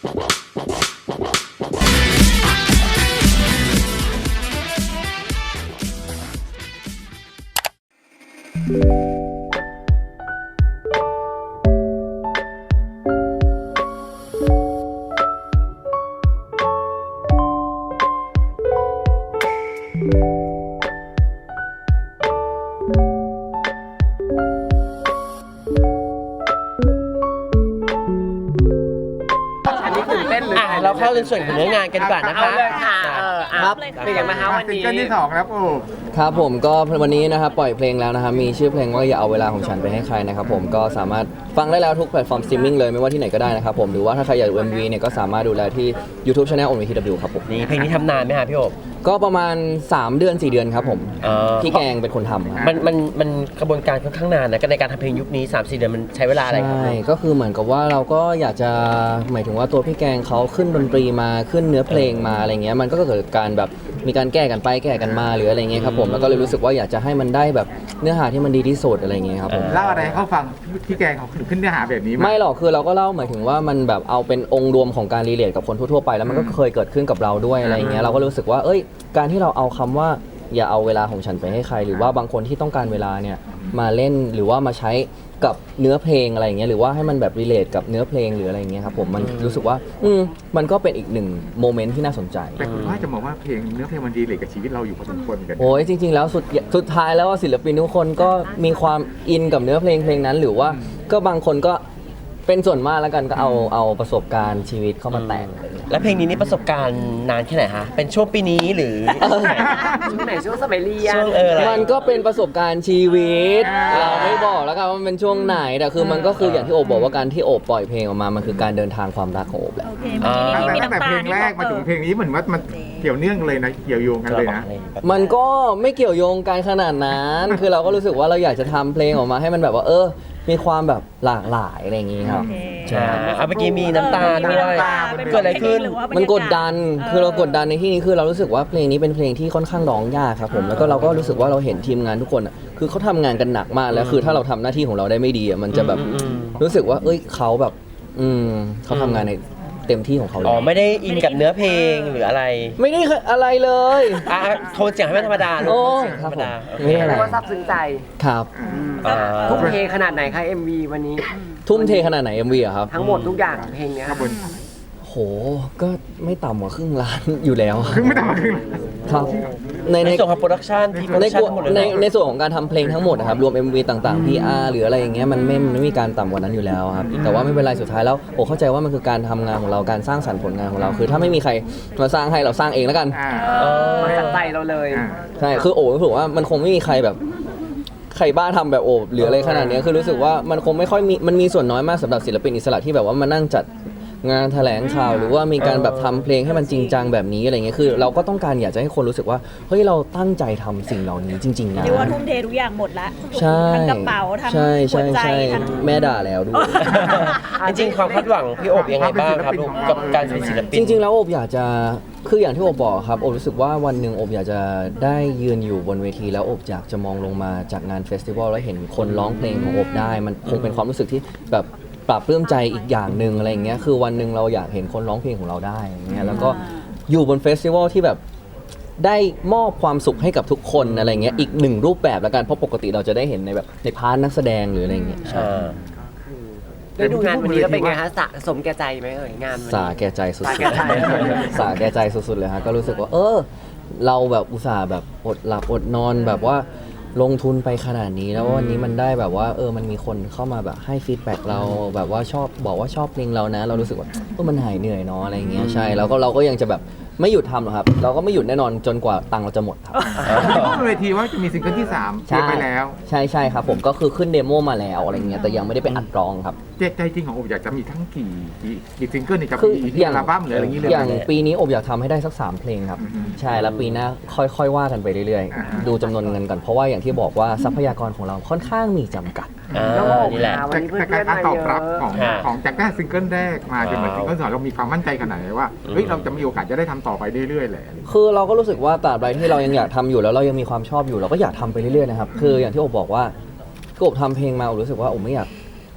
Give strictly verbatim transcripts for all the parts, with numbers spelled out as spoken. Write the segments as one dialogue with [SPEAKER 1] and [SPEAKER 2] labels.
[SPEAKER 1] เราเข้าในส่วนของเนื้องานกันดีกว่านะคะ
[SPEAKER 2] เอาเลยค่ะเออ
[SPEAKER 1] ครับ
[SPEAKER 2] เป็นยังไงบ้างคะวัน
[SPEAKER 3] ซิง
[SPEAKER 2] นี้
[SPEAKER 3] เกิลที่สองแล้วโอ้
[SPEAKER 4] ครับผมก็วันนี้นะครับปล่อยเพลงแล้วนะครับมีชื่อเพลงว่าอย่าเอาเวลาของฉันไปให้ใครนะครับผมก็สามารถฟังได้แล้วทุกแพลตฟอร์มสตรีมมิ่งเลยไม่ว่าที่ไหนก็ได้นะครับผมหรือว่าถ้าใครอยากดู เอ็ม วี เนี่ยก็สามารถดูได้ที่ YouTube Channel โอ วี ที ดับเบิลยู ครับผม
[SPEAKER 1] นี่เพลงนี้ทำนานไหมฮะพี่โอบ
[SPEAKER 4] ก็ประมาณสามเดือนสี่เดือนครับผม
[SPEAKER 1] เอ่อ
[SPEAKER 4] พี่แกงเป็นคนทำครับ
[SPEAKER 1] มันมันมันกระบวนการค่อนข้างนานนะในการทำเพลงยุคนี้ สามสี่ เดือนมันใช้เวลาอะไรครับ
[SPEAKER 4] ใช่ก็คือเหมือนกับว่าเราก็อยากจะหมายถึงว่าตัวพี่แกงเขาขึ้นดนตรีมาขึ้นเนื้อเพลงมาอะไรเงี้ยมันก็เกิดการแบบมีการแก้กันไปแก้กันมาหรืออะไรเงี้ยครับผมแล้วก็เลยรู้สึกว่าอยากจะให้มันได้แบบเนื้อหาที่มันดีที่สุดอะไรเงี้ยครับผม
[SPEAKER 3] เล่าอะไรให้เขาฟังพี่แกงเขาขึ้นเนื้อหาแบบนี้
[SPEAKER 4] ไม่หรอกคือเราก็เล่าหมายถึงว่ามันแบบเอาเป็นองค์รวมของการรีเลทกับคนทั่วๆไปแล้วมันก็เคยเกิดขึ้นกับเราด้วยอะไรเงี้ยเราก็รู้สึกว่าเอ้ยการที่เราเอาคำว่าอย่าเอาเวลาของฉันไปให้ใครหรือว่าบางคนที่ต้องการเวลาเนี่ยมาเล่นหรือว่ามาใช้กับเนื้อเพลงอะไรอย่างเงี้ยหรือว่าให้มันแบบรีเลทกับเนื้อเพลงหรืออะไรอย่างเงี้ยครับผมมันรู้สึกว่าอืมมันก็เป็นอีกหนึ่งโมเมนต์ที่น่าสนใจ
[SPEAKER 3] แต่คุณว่าจะมองว่าเพลงเนื้อเพลงมันดีเลยกับชีวิตเราอยู่พอสมควรกัน
[SPEAKER 4] โอ้ยจริงๆแล้วสุดสุดท้ายแล้วว่าศิลปินทุกคนก็มีความอินกับเนื้อเพลงเพลงนั้น หรือว่าก็บางคนก็เป็นส่วนมากแล้วกันก็เอาเอาประสบการณ์ชีวิตเข้ามาแต่ง
[SPEAKER 1] แล้วเพลงนี้นี่ประสบการณ์นานแค่ไหนฮะเป็นช่วงปีนี้หรือ
[SPEAKER 2] ช่วงไหนช่วงสมัยเรียน
[SPEAKER 1] ช่วงเอออะไร
[SPEAKER 4] มันก็เป็นประสบการณ์ชีวิต เราไม่บอกแล้วกันว่ามันเป็นช่วงไหนแต่คือมันก็คืออย่างที่โอบบอกว่าการที่โอบปล่อยเพลงออกมามันคือการเดินทางความรักของโอบแหละ
[SPEAKER 5] โอเคเมื่อกี้
[SPEAKER 3] ตั้งแต่
[SPEAKER 5] นี่มี
[SPEAKER 3] ตั้งแต่
[SPEAKER 5] น้ำตา
[SPEAKER 3] เพลงแรกมาถึงเพลงนี้เหมือนว่ามันเกี่ยวเนื่องเลยนะเกี่ยวโยงกันเลยนะ
[SPEAKER 4] มันก็ไม่เกี่ยวโยงกันขนาดนั้น คือเราก็รู้สึกว่าเราอยากจะทำเพลงออกมาให้มันแบบว่าเออมีความแบบหลากหลายอะไรอย่างงี้ครับ
[SPEAKER 5] โอเค
[SPEAKER 1] ใช่เอาเมื่อกี้มีน้ำตาด้วย
[SPEAKER 5] เป็น
[SPEAKER 1] เกิดอะไรขึ้น
[SPEAKER 5] หว่าบรรยาาศ
[SPEAKER 4] มันกดดัน คือเรากดดันในที่นี้คือเรารู้สึกว่าเพลงนี้เป็นเพลงที่ค่อนข้างร้องยากครับผม แล้วก็เราก็รู้สึกว่าเราเห็นทีมงานทุกคนอ่ะ คือเขาทำงานกันหนักมาก แล้วคือถ้าเราทำหน้าที่ของเราได้ไม่ดีอ่ะ มันจะแบบ
[SPEAKER 1] อืมอืม
[SPEAKER 4] รู้สึกว่า เอ้ยเขาแบบ อืมเขาทำงานในเต็มที่ของเขาเล
[SPEAKER 1] อ๋อย ไม่ได้อินกับเนื้อเพลงหรืออะไร
[SPEAKER 4] ไม่ได้อะไรเลย
[SPEAKER 1] อ่ะโทนเสียงให้มันธรรมดาลูก
[SPEAKER 4] โอ้
[SPEAKER 1] เสียงธรรมดา
[SPEAKER 4] ครับผมไม่อะไร
[SPEAKER 2] เรียกว่าซาบซึ้งใจ
[SPEAKER 4] ครับ
[SPEAKER 1] อ่า
[SPEAKER 2] ทุ่มเทขนาดไหนคะ เอ็ม วี วันนี้
[SPEAKER 4] ทุ่มเทขนาดไหน เอ็ม วี อะครับ
[SPEAKER 2] ทั้งหมดทุกอย่างเพลงเนี้ย
[SPEAKER 3] ครับบน
[SPEAKER 4] โห ก็ไม่ต่ำกว่าครึ่งล้านอยู่แล้ว
[SPEAKER 3] ครึ่งไม่ต่ำกว่าครึ่ง
[SPEAKER 4] ครับใน
[SPEAKER 1] ใน
[SPEAKER 4] ใน
[SPEAKER 1] ส่วนของโปรดักชันที่โปร
[SPEAKER 4] ใน
[SPEAKER 1] ดักชัน
[SPEAKER 4] กว
[SPEAKER 1] ทั้งหมดเลย
[SPEAKER 4] ใน
[SPEAKER 1] เนอะ
[SPEAKER 4] ในส่วนของการทำเพลงทั้งหมดนะครับรวม เอ็ม วี ต่างๆ พี อาร์ หรืออะไรอย่างเงี้ยมันไม่มันไม่มีการต่ำกว่านั้นอยู่แล้วครับแต่ว่าไม่เป็นไรสุดท้ายแล้วโอ้เข้าใจว่ามันคือการทำงานของเราการสร้างสรรค์ผลงานของเรา คือถ้าไม่มีใครมาสร้างให้เราสร้างเองแล้วกัน
[SPEAKER 3] อ่า
[SPEAKER 1] เออ
[SPEAKER 2] มาจากใจเราเลย
[SPEAKER 3] อ่า
[SPEAKER 4] ใช่คือโอ้รู้สึกว่ามันคงไม่มีใครแบบใครบ้าทำแบบโอบหรืออะไรขนาดเนี้ยคือรู้สึกว่ามันคงไม่ค่อยมีมันมีส่วนน้อยมากสำหรับศิลปินอิสระที่แบบว่ามานั่งจัดงานแถลงข่าวหรือว่ามีการแบบทำเพลงให้มันจริงจังแบบนี้อะไรเงี้ยคือเราก็ต้องการอยากจะให้คนรู้สึกว่าเฮ้ยเราตั้งใจทำสิ่งเหล่านี้จริงๆนะ
[SPEAKER 5] เรียกว่าทุ่มเททุกอย่างหมดละ
[SPEAKER 4] ใช่
[SPEAKER 5] ทั้งกระเป๋าทั้ง
[SPEAKER 4] ใช่
[SPEAKER 5] หั
[SPEAKER 4] ใช่
[SPEAKER 5] วใจ
[SPEAKER 4] ใช่
[SPEAKER 5] ทั้ง
[SPEAKER 4] แม่ด่าแล้วด้วย
[SPEAKER 1] จริงๆความคาดหวังพี่โอบยังไงบ้างครับลูกกับการเป็นศิลปิน
[SPEAKER 4] จริงๆ แล้วโอบอยากจะคืออย่างที่โอบบอกครับโอบรู้สึกว่าวันหนึ่งโอบอยากจะได้ยืนอยู่บนเวทีแล้วโอบอยากจะมองลงมาจากงานเฟสติวัลแล้วเห็นคนร้องเพลงของโอบได้ มันคงเป็นความรู้สึกที่แบบปรับปลื้มใจอีกอย่างหนึ่งอะไรอย่างเงี้ยคือวันหนึ่งเราอยากเห็นคนร้องเพลงของเราได้อย่างเงี้ยแล้วก็อยู่บนเฟสติวัลที่แบบได้มอบความสุขให้กับทุกคนอะไรเงี้ยอีกหนึ่งรูปแบบแล้วกันเพราะปกติเราจะได้เห็นในแบบในพาร์ทนักแสดงหรืออะไรอย่างเงี้ย
[SPEAKER 1] อ่า
[SPEAKER 2] ได้ดูงานวันนี้แล้วเป็นไงคะสะสมแก่ใจไหมเอ่ยงานวัน
[SPEAKER 4] สา
[SPEAKER 2] นี้
[SPEAKER 4] แก่ใจสุด
[SPEAKER 2] สาแก่ใจ
[SPEAKER 4] ๆ สาแก่ใจสุดๆเลยฮะก็รู้สึกว่า เออ เราแบบอุตส่าห์แบบอดหลับอดนอนแบบว่าลงทุนไปขนาดนี้แล้ววันนี้มันได้แบบว่าเออมันมีคนเข้ามาแบบให้ฟีดแบ็กเราแบบว่าชอบบอกว่าชอบเพลงเรานะ เรารู้สึกว่าเออมันหายเหนื่อยเนาะอะไรอย่างเงี้ยใช่แล้วก็เราก็ยังจะแบบไม่หยุดทำหรอกครับ เราก็ไม่หยุดแน่นอนจนกว่าตังค์เราจะหมดครับ
[SPEAKER 3] พูดบนเวทีว่าจะมีซิงเกิลที่สามเก็บไปแล้ว
[SPEAKER 4] ใช่ใช่ครับผมก็คือขึ้นเดโมมาแล้วอะไรเงี้ยแต่ยังไม่ได้ไปอัดร้องครับ
[SPEAKER 3] ใจใจจริงของโอบอยากจะมีทั้งกี่กี่กี่ซิงเกิลในกับ
[SPEAKER 4] คือ
[SPEAKER 3] อี
[SPEAKER 4] อย่าง
[SPEAKER 3] อัลบั้มหรืออะไรอย่างนี้เลย
[SPEAKER 4] อย่าง
[SPEAKER 3] ไหม
[SPEAKER 4] ปีนี้อบอยากทำให้ได้สักสามเพลงครับ
[SPEAKER 3] อือฮึ
[SPEAKER 4] ใช่แล้วปีหน้าค่อยๆว่ากันไปเรื่อย
[SPEAKER 3] อ่า
[SPEAKER 4] ๆ ดูจำนวนเงินก่อนเพราะว่าอย่างที่บอกว่าทรัพยากรของเราค่อนข้างมีจำกัด
[SPEAKER 1] อ่า
[SPEAKER 2] แล้วก็
[SPEAKER 1] นี่แหละ
[SPEAKER 2] วันนี้เพื่
[SPEAKER 3] แต่
[SPEAKER 2] อน
[SPEAKER 3] การ
[SPEAKER 2] ๆมา
[SPEAKER 3] ตอบ
[SPEAKER 2] เย
[SPEAKER 3] รับ
[SPEAKER 2] อะ
[SPEAKER 3] ของ
[SPEAKER 1] ค่ะ
[SPEAKER 3] ของจากแค่ซิงเกิลแรกมาจนเหมือนซิงเกิลสองเรามีความมั่นใจขนาดไหนว่าเฮ้ยเราจะมีโอกาสจะได้ทำต่อไปเรื่อยๆแหละ
[SPEAKER 4] คือเราก็รู้สึกว่าตราบใดที่เรายังอยากทำอยู่แล้วเรายังมีความชอบอยู่เราก็อยากทำไปเรื่อยๆนะครับคืออย่างที่อบบอกว่าคืออบทำเพลงมาอบรู้สึกว่าอบไม่อยาก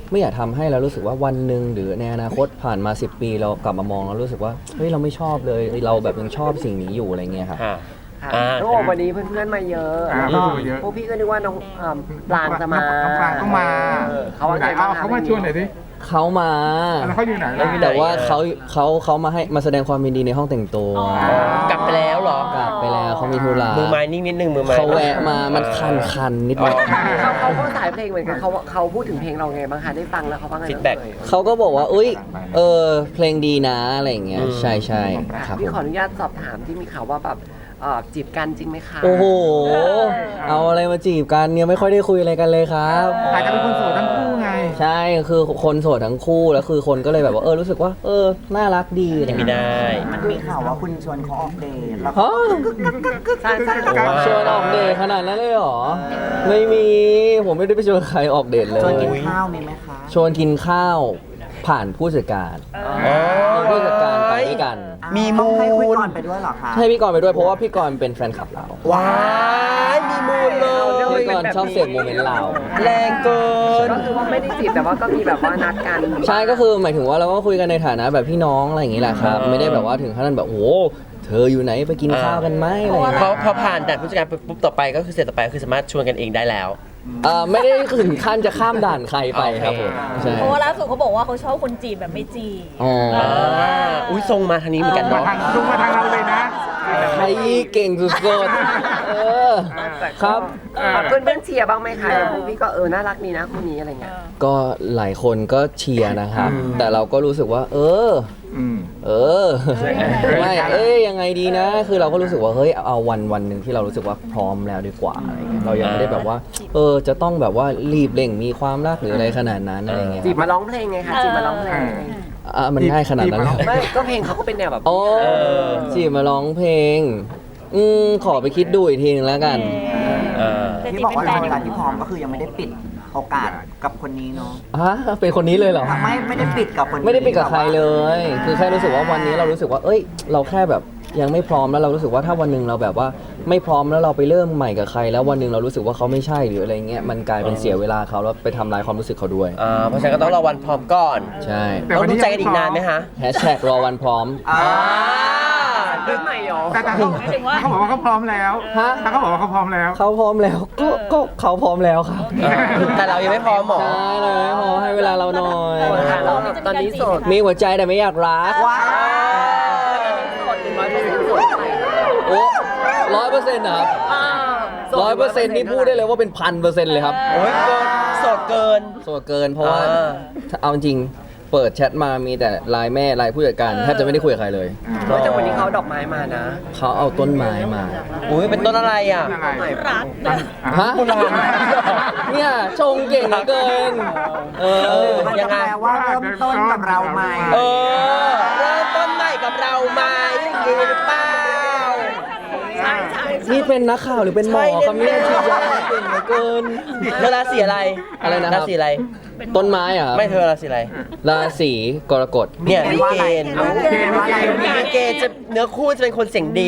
[SPEAKER 4] ไม่อยากทำให้แล้วรู้สึกว่าวันหนึ่งหรือในอนาคตผ่านมาสิบปีเรากลับมามองแล้วรู้สึกว่าเฮ้ยเราไม่ชอบเลยเราแบบยังชอบสิ่งนี้อยู่อะไรเงี้ยครับ
[SPEAKER 1] ค่ะ
[SPEAKER 2] ค่ะ
[SPEAKER 1] อ่า
[SPEAKER 2] น้องโอวันนี้เพื่อนๆมาเยอะ
[SPEAKER 3] อ่า
[SPEAKER 2] แล้วก็
[SPEAKER 3] เพื่อนๆมาเยอะ
[SPEAKER 2] พวกพี่ก็นึกว่าน้องเอิ่มปลางจะมา
[SPEAKER 3] น้องปลางต้องมา
[SPEAKER 2] เออเขาว่า
[SPEAKER 3] ไหน
[SPEAKER 2] ไงบ้าง
[SPEAKER 3] เอา
[SPEAKER 2] คะ
[SPEAKER 3] เขามาชวนหน่อยสิ
[SPEAKER 4] เขามา
[SPEAKER 3] แล้วเขาอยู่ไหนล่ะ
[SPEAKER 4] แต่ว่าเขาเขาเขามาให้มาแสดงความยินดีในห้องแต่งตัว
[SPEAKER 5] อ๋อ
[SPEAKER 1] กลับไปแล้วเหรอก
[SPEAKER 4] ลับไปแล้วเขามีธุระ
[SPEAKER 1] มือไม้นิ่งนิดนึงมือไม้
[SPEAKER 4] เขาแวะมามันคันคันๆนิดหน่อย
[SPEAKER 2] เขาเขาก็สายเพลงเหมือนกันเขาเขาพูดถึงเพลงเราไงบ้างคะได้ฟังแล้วเขาว่าไงบ้าง
[SPEAKER 1] ฟีดแบ็ก
[SPEAKER 2] เอ่ย
[SPEAKER 4] เขาก็บอกว่าอุ้ยเออเพลงดีนะอะไรอย่างเงี้ย
[SPEAKER 1] อืม
[SPEAKER 4] ใช่ใช่ครับผ
[SPEAKER 2] พี่
[SPEAKER 4] ม
[SPEAKER 2] ขออนุญาตสอบถามที่มีข่าวว่าแบบเอ่อจีบกันจริงไหมคะ
[SPEAKER 4] โอ้โห เอาอะไรมาจีบกันเนี่ยไม่ค่อยได้คุยอะไรกันเลยครับ
[SPEAKER 3] อาจจะเป็นคนโสดทั้งคู่ไง
[SPEAKER 4] ใช่คือคนโสดทั้งคู่แล้วคือคนก็เลยแบบว่าเออรู้สึกว่า เออน่ารักดีอะไร
[SPEAKER 1] ไม่
[SPEAKER 4] เงี้ย
[SPEAKER 1] ได้
[SPEAKER 6] มันมีข่าวว่าคุณชวนเขาออกเดทแล้ว
[SPEAKER 4] ฮะ
[SPEAKER 2] ใช่ใช่
[SPEAKER 1] โอ้
[SPEAKER 4] ชวนออกเดทขนาดนั้นเลยเหรอ ไม่มีผมไม่ได้ไปชวนใครออกเดทเล
[SPEAKER 6] ชวน
[SPEAKER 4] ย
[SPEAKER 6] กินข้าวมีไหมคะ
[SPEAKER 4] ชวนกินข้าวผ่านผู้จัดการ
[SPEAKER 1] อ๋อ
[SPEAKER 4] ผู้จัดการไปด้วยกัน
[SPEAKER 1] มี
[SPEAKER 6] ต้
[SPEAKER 1] มู
[SPEAKER 6] องให้คุย
[SPEAKER 1] ล
[SPEAKER 6] ก่อนไปด้วยเหรอคะ
[SPEAKER 4] ให้พี่กรณ์ไปด้วยเพราะว่าพี่กรณ์เป็นแฟนคลับเรา
[SPEAKER 1] ว้ายมีมูลเลย
[SPEAKER 4] พี่กรณ์ชอบเสพโมเมนต์เรา
[SPEAKER 1] แรงเกิน
[SPEAKER 2] ก็คือว่าไม่ได้จีบแต่ว่าก็มีแบบว่านัดกัน
[SPEAKER 4] ใช่ก็คือหมายถึงว่าเราก็คุยกันในฐานะแบบพี่น้องอะไรอย่างนี้แหละครับ
[SPEAKER 1] อ่า
[SPEAKER 4] ไม่ได้แบบว่าถึงขั้นแบบโอ้โหเธออยู่ไหนไปกินข้าวกันไหมอะไรอย่าง
[SPEAKER 1] พ
[SPEAKER 4] เงี้
[SPEAKER 1] อย พอผ่านด่านผู้จัดการปุ๊บต่อไปก็คือเสร็จต่อไปก็คือสามารถชวนกันเองได้แล้ว
[SPEAKER 4] เอ่อไม่ได้ถึงขั้นจะข้ามด่านใครไปครับผมใช่
[SPEAKER 5] เพราะว่าล่าสุดเขาบอกว่าเขาชอบคนจีบแบบไม่จีบ
[SPEAKER 4] อ๋อ
[SPEAKER 1] อ่าอุ้ยทรงมาทางนี้เหมือนกัน
[SPEAKER 3] มา
[SPEAKER 1] เนาะ
[SPEAKER 3] ทางตรงมาทางเราเลยนะ
[SPEAKER 4] ใครเก่งสุดๆเออครับ
[SPEAKER 2] เพื่อนเพื่อนๆเชียร์บ้างไหมคะพวกพี่ก็เออน่ารักดีนะคู่นี้อะไรเงี้ย
[SPEAKER 4] ก็หลายคนก็เชียร์นะครับ แต่เราก็รู้สึกว่า เออ
[SPEAKER 3] อืม
[SPEAKER 4] เออไม่เอ้ยยังไงดีนะ คือเราก็รู้สึกว่าเฮ้ยเอาวันวันหนึ่งที่เรารู้สึกว่าพร้อมแล้วดีกว่าอะไรเงี้ยเรายังไม่ได้แบบว่า เออจะต้องแบบว่ารีบเร่งมีความรักหรืออะไรขนาดนั้นอะไรเงี้ย
[SPEAKER 2] จีบมาร้องเพลงไงคะจีบมาร้องเพลง
[SPEAKER 4] อ่ะมันง่ายขนาดนั้นเลย
[SPEAKER 2] ไม่ก็เพลงเขาก็เป็นแนวแบบ
[SPEAKER 4] โอ้จีบมาร้องเพลง อืมขอไปคิดดูอีกทีนึงแล้วกัน
[SPEAKER 1] อ่า
[SPEAKER 5] แต่
[SPEAKER 6] ที่
[SPEAKER 5] จี
[SPEAKER 6] บอก
[SPEAKER 5] เป็น
[SPEAKER 6] ว่า
[SPEAKER 5] แฟ
[SPEAKER 6] ใน
[SPEAKER 5] น
[SPEAKER 6] เวลาที่พร้อมก็คือยังไม่ได้ปิดโอกาสกับคนนี้เนาะ
[SPEAKER 4] ฮะเป็นคนนี้เลยเหรอ
[SPEAKER 6] ไม่ไม่ได้ปิดกับคนนี้
[SPEAKER 4] ไม่ได้ปิดกับใครเลย คือแค่รู้สึกว่าวันนี้เรารู้สึกว่า เอ้ย เราแค่แบบยังไม่พร้อมแล้วเรารู้สึกว่าถ้าวันหนึ่งเราแบบว่าไม่พร้อมแล้วเราไปเริ่มใหม่กับใคร แล้ววันหนึ่งเรารู้สึกว่าเขาไม่ใช่หรืออะไรเงี้ยมันกลายเป็นเสียเวลาเขาแล้วไปทำลายความรู้สึกเขาด้วย
[SPEAKER 1] อ่าเพราะฉะนั้นก็ต้องรอวันพร้อมก่อน
[SPEAKER 4] ใช่
[SPEAKER 3] แต่
[SPEAKER 1] ต้อ
[SPEAKER 3] วั
[SPEAKER 1] ง
[SPEAKER 3] น
[SPEAKER 1] ดู
[SPEAKER 3] นี้
[SPEAKER 1] ใจกันอีกนานไหมคะ
[SPEAKER 4] แฮชแท็กรอวันพร้อม
[SPEAKER 6] อ่า
[SPEAKER 2] เรื่องใหม่เหรอ
[SPEAKER 3] แต่แต่เขาเขาบอกว่าเขาพร้อมแล้ว
[SPEAKER 4] ฮะ
[SPEAKER 3] แต่เขาบอกว่าเขาพร้อมแล้ว
[SPEAKER 4] เขาพร้อมแล้วก็ก็เขาพร้อมแล้วครับ
[SPEAKER 1] เออแต่เรายังไม่พร้อมหมอ
[SPEAKER 4] ใช่เลยพอให้เวลาเราหน่อย
[SPEAKER 2] โสดค่ะเราตอนนี้โสด
[SPEAKER 4] มีหัวใจแต่ไม่อยากรัก
[SPEAKER 6] ว้าว
[SPEAKER 2] โสดถึงร้อยเปอร์เซ็นต์โสดไป
[SPEAKER 4] โอ้ร้อยเปอร์เซ็นต์นะครับ
[SPEAKER 2] อ่า
[SPEAKER 4] ร้อยเปอร์เซ็นต์นี่พูดได้เลยว่าเป็นพันเปอร์เซ็นต์เลยครับ
[SPEAKER 1] โอ้ยเกินโสดเกิน
[SPEAKER 4] โสดเกินเพราะว่า
[SPEAKER 1] อ่า
[SPEAKER 4] ถ้าเอาจริงเปิดแชทมามีแต่ไลน์แม่ไลน์ผู้จัดการแทบจะไม่ได้คุยกับใครเลย
[SPEAKER 2] เฮ้ยแต่วันนี้เขาเอาดอกไม้มานะ
[SPEAKER 4] เขาเอาต้นไม้มา
[SPEAKER 1] อุ้ยเป็นต้นอะไรอ่ะ
[SPEAKER 3] อะไร
[SPEAKER 5] รักนะ
[SPEAKER 4] ฮะเนี่ยชงเก่งเหลือเกิน เออ
[SPEAKER 6] มัน
[SPEAKER 1] ยั
[SPEAKER 6] จะ
[SPEAKER 1] งไง
[SPEAKER 6] แปลว่าเริ่มต้นกับเราใหม่
[SPEAKER 1] เออเริ่มต้นใหม่กับเราไหมอย่างนี้หรือเปล่า
[SPEAKER 2] ใช่ใช่
[SPEAKER 4] นี่เป็นนักข่าวหรือเป็นหมอครับเนี่ยฉีดยาเก่งเหลือเกิน
[SPEAKER 1] แล้วราศีอะไร
[SPEAKER 4] อะไรนะครับ
[SPEAKER 1] ราศีอะไร
[SPEAKER 4] ต้นไม้เหรอ่ะ
[SPEAKER 1] ไม่เธอราศีอะไร
[SPEAKER 4] ราศีกรกฎ
[SPEAKER 1] เนี่ย
[SPEAKER 6] เห็
[SPEAKER 1] มี
[SPEAKER 6] นว่า
[SPEAKER 1] เก
[SPEAKER 6] อะไร
[SPEAKER 1] ณฑ์
[SPEAKER 6] เอาเห็นว่าอะไร
[SPEAKER 1] มีเกณฑ์จะเนื้อคู่จะเป็นคนเสียงดี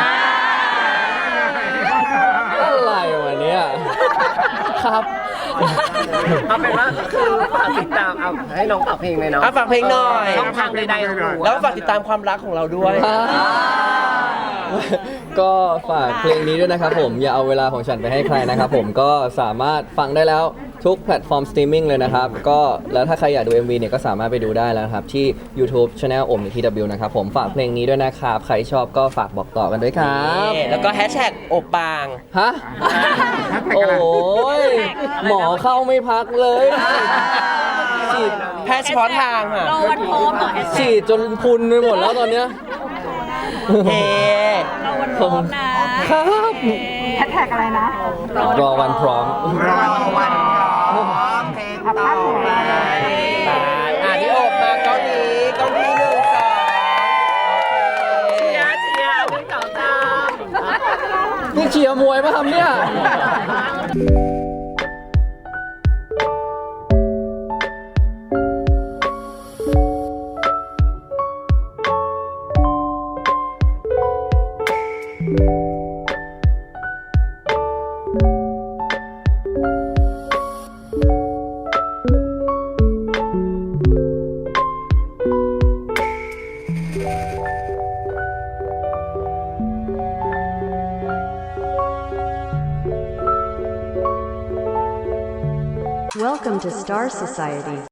[SPEAKER 4] อะไรวะเนี่ยครับ
[SPEAKER 2] เอาเป็นว่าก็คือฝากติดตามเอาให้น้องฝากเพลงเลยเนาะ
[SPEAKER 1] อ่ะฝากเพลงหน่อย
[SPEAKER 2] ช่องทางใดๆของหนู
[SPEAKER 1] แล้วก็ฝากติดตามความรักของเราด้วย
[SPEAKER 4] ก็ฝากเพลงนี้ด้วยนะครับผมอย่าเอาเวลาของฉันไปให้ใครนะครับผมก็สามารถฟังได้แล้วทุกแพลตฟอร์มสตรีมมิ่งเลยนะครับก็แล้วถ้าใครอยากดู เอ็ม วี เนี่ยก็สามารถไปดูได้แล้วนะครับที่ YouTube Channel อม ที ดับเบิลยู นะครับผมฝากเพลงนี้ด้วยนะครับใครชอบก็ฝากบอกต่อกันด้วยครับ
[SPEAKER 1] นี่แล้วก็แฮชแท็กโอปาง
[SPEAKER 4] ฮะโอ้ยหมอเข้าไม่พักเลยฉีด
[SPEAKER 1] แพทย์เฉพาะทางอ่ะ
[SPEAKER 5] รอวันพร้อมเหรอแฮชแท็
[SPEAKER 4] ฉี
[SPEAKER 5] ก
[SPEAKER 4] ดจนพุนไปหมดแล้วตอนเนี้ย
[SPEAKER 1] เฮ้
[SPEAKER 5] รอวันพร้อมนะครับ
[SPEAKER 7] แฮชแท็กอะไรนะ
[SPEAKER 4] รอวันพร้อม
[SPEAKER 6] รอวันพร้อมเพลงต่อไป
[SPEAKER 1] อ่ะพี่โอบมาเกาหลีเกาหลีหนึ่งสองโอเค
[SPEAKER 2] เชียร์เชียร์หนึ่งสองสาม
[SPEAKER 4] นี่เชียร์มวยป่ะครับเนี่ย
[SPEAKER 7] Welcome to Star Society.